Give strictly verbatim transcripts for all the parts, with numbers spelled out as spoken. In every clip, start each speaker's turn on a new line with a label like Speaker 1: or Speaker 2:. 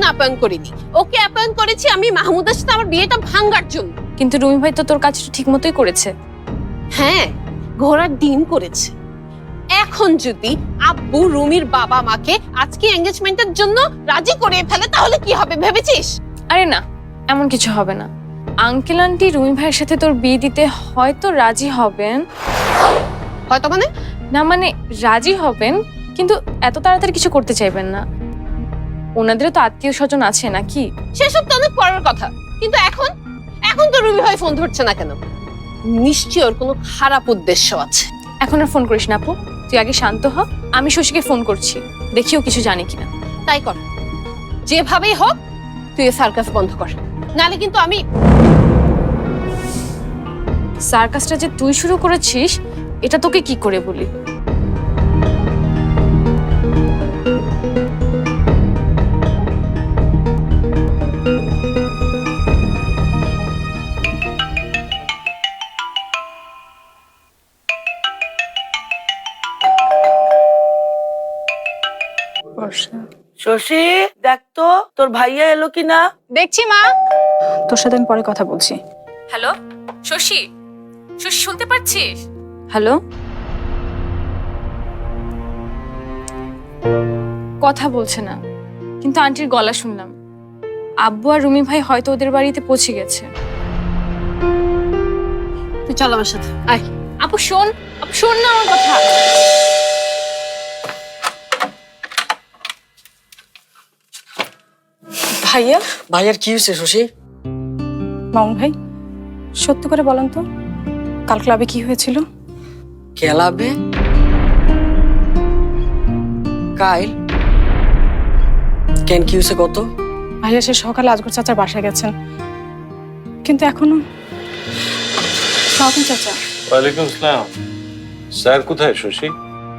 Speaker 1: আপ্যায়ন করিনি, ওকে আপ্যায়ন করেছি আমি মাহমুদের সাথে আমার বিয়েটা ভাঙার জন্য।
Speaker 2: কিন্তু রুমি ভাই তো তোর কাজটা ঠিক মতোই করেছে।
Speaker 1: হ্যাঁ, ঘোড়ার ডিম করেছে। এখন যদি আব্বু রুমির বাবা মাকে আজকে এঙ্গেজমেন্টের জন্য রাজি করে ফেলে তাহলে কি হবে ভেবেছিস?
Speaker 2: আরে না, এমন কিছু হবে না। আঙ্কেল আন্টি রুমি ভাইয়ের সাথে তোর বিয়ে দিতে হয়তো রাজি হবেন।
Speaker 1: হয়তো মানে
Speaker 2: না মানে রাজি হবেন, কিন্তু এত তাড়াতাড়ি কিছু করতে চাইবেন না। ওনাদেরও তো আত্মীয় স্বজন আছে নাকি?
Speaker 1: সেসব তো অনেক পরের কথা। কিন্তু এখন এখন তো রুমি ভাই ফোন ধরছে না কেন? নিশ্চয়ই ওর কোনো খারাপ উদ্দেশ্য আছে।
Speaker 2: এখন আর ফোন করিস না আপু, তুই আগে শান্ত হ। আমি শশীকে ফোন করছি, দেখিও কিছু জানি কিনা।
Speaker 1: তাই কর, যেভাবেই হোক তুই সার্কাস বন্ধ কর, নালে কিন্তু আমি।
Speaker 2: সার্কাসটা যে তুই শুরু করেছিস এটা তোকে কি করে বলি?
Speaker 3: শশী, দেখ তো তোর ভাইয়া এলো কিনা।
Speaker 2: দেখছি মা।
Speaker 4: তোর সাথে আমি পরে কথা বলছি।
Speaker 2: হ্যালো শশী, শশী শুনতে পাচ্ছিস? হ্যালো, কথা বলছে না, কিন্তু আন্টির গলা শুনলাম। আব্বু আর রুমি ভাই হয়তো ওদের বাড়িতে পৌঁছে গেছে।
Speaker 1: তুই চল আমার সাথে আয়।
Speaker 2: আপু শোন, আপু শোন না আমার কথা।
Speaker 4: ভাইয়া,
Speaker 3: ভাইয়ার কি হয়েছে শশী?
Speaker 4: মামুন ভাই, সত্যি করে বলেন তো কাল ক্লাবে কি হয়েছিল?
Speaker 3: ক্লাবে? কাইল কেন, কি হয়েছে কত?
Speaker 4: ভাইয়া সে সকালে আজগর চাচার বাসায় গেছেন, কিন্তু এখনো। সালাম চাচা।
Speaker 5: ওয়ালাইকুম আসসালাম। স্যার কোথায় শশী?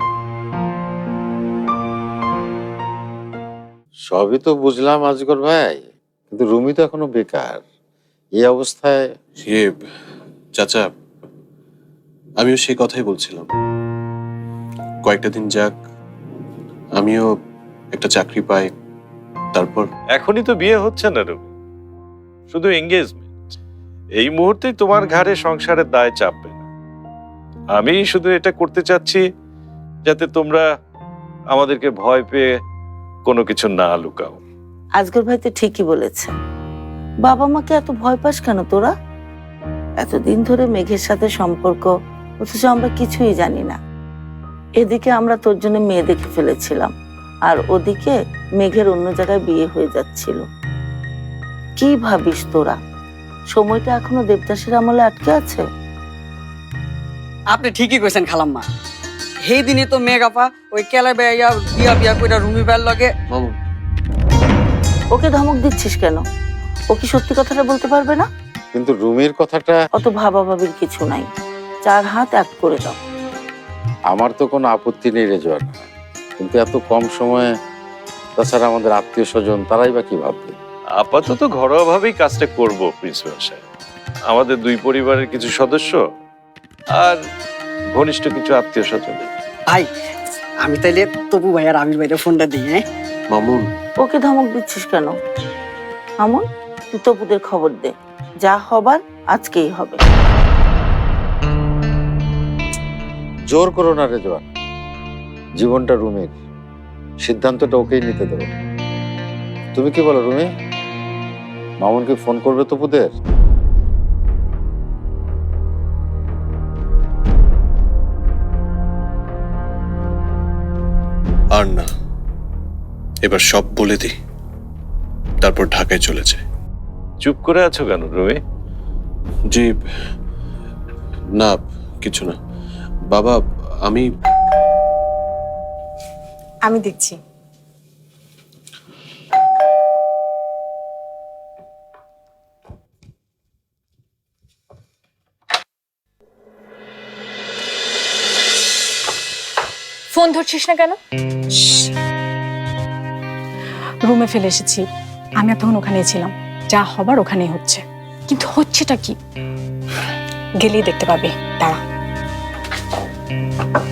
Speaker 6: সবই তো বুঝলাম আজগর ভাই, কিন্তু রুমি তো এখনো বেকার। এই অবস্থায়
Speaker 5: ইয়ে চাচা, আমিও সেই কথাই বলছিলাম। কয়েকটা দিন যাক, আমিও একটা চাকরি পাই, তারপর।
Speaker 7: এখনই তো বিয়ে হচ্ছে না রবি, শুধু এঙ্গেজমেন্ট। এই মুহূর্তে তোমার ঘাড়ে সংসারের দায় চাপবে না। আমি শুধু এটা করতে চাচ্ছি যাতে তোমরা আমাদেরকে ভয় পেয়ে কোনো কিছু না লুকাও।
Speaker 3: আজগর ভাই তো ঠিকই বলেছে। বাবা মাকে এত ভয় পাস কেন তোরা? এতদিন ধরে মেঘের সাথে সম্পর্ক, অথচ আমরা কিছুই জানি না। এদিকে আমরা তোর জন্য মেয়ে দেখে ফেলেছিলাম, আর ওদিকে মেঘের অন্য জায়গায় বিয়ে হয়ে যাচ্ছিল। কি ভাবিস তোরা? সময়টা এখনো দেবদাসের আমলে আটকে আছে।
Speaker 8: আপনি ঠিকই কইছেন খালাম্মা। সেই দিনে তো মেঘ আপা ওই কেলা বেয়া বিয়া বিয়া কইরা রুমি বেয়ার লগে।
Speaker 5: মামু,
Speaker 3: ওকে ধমক দিচ্ছিস কেন? ও কি সত্যি কথাটা বলতে পারবে না?
Speaker 6: কিন্তু রুমির কথাটা।
Speaker 3: অত ভাবাভাবির কিছু নাই, চার হাত এক করে দাও।
Speaker 6: আমার তো কোনো আপত্তি নেই রেজওয়ান, কিন্তু এত কম সময়ে, তাছাড়া আমাদের আত্মীয় স্বজন তারাই বা কি ভাববে?
Speaker 7: আপাতত ঘরোয়াভাবেই কাজটা করব প্রিন্সিপাল সাহেব। আমাদের দুই পরিবারের কিছু সদস্য আর ঘনিষ্ঠ কিছু আত্মীয় স্বজন।
Speaker 8: ভাই আমি তাইলে তপু ভাই আর আমির ভাইয়ের ফোনটা দিই। হ্যাঁ
Speaker 5: মামুন,
Speaker 3: ওকে ধমক দিচ্ছিস কেন? আমন, তুই তপুদের খবর দে, যা হবার আজকেই হবে।
Speaker 6: জোর করো না রেজওয়ান, জীবনটা রুমির, সিদ্ধান্তটা ওকেই নিতে দেবো। তুমি কি বলো রুমি? মামুনকে ফোন করবে তপুদের?
Speaker 5: আর না, এবার সব বলে দিই, তারপর ঢাকায় চলে যায়।
Speaker 7: চুপ করে আছো কেন রুমি?
Speaker 5: জি না, কিছু না বাবা। আমি
Speaker 4: আমি দেখছি।
Speaker 2: ফোন ধরছিস না কেন?
Speaker 4: রুমে ফেলে এসেছি, আমি তখন ওখানেই ছিলাম। যা হবার ওখানেই হচ্ছে।
Speaker 2: কিন্তু হচ্ছেটা কি?
Speaker 4: গেলেই দেখতে পাবি, দাঁড়া।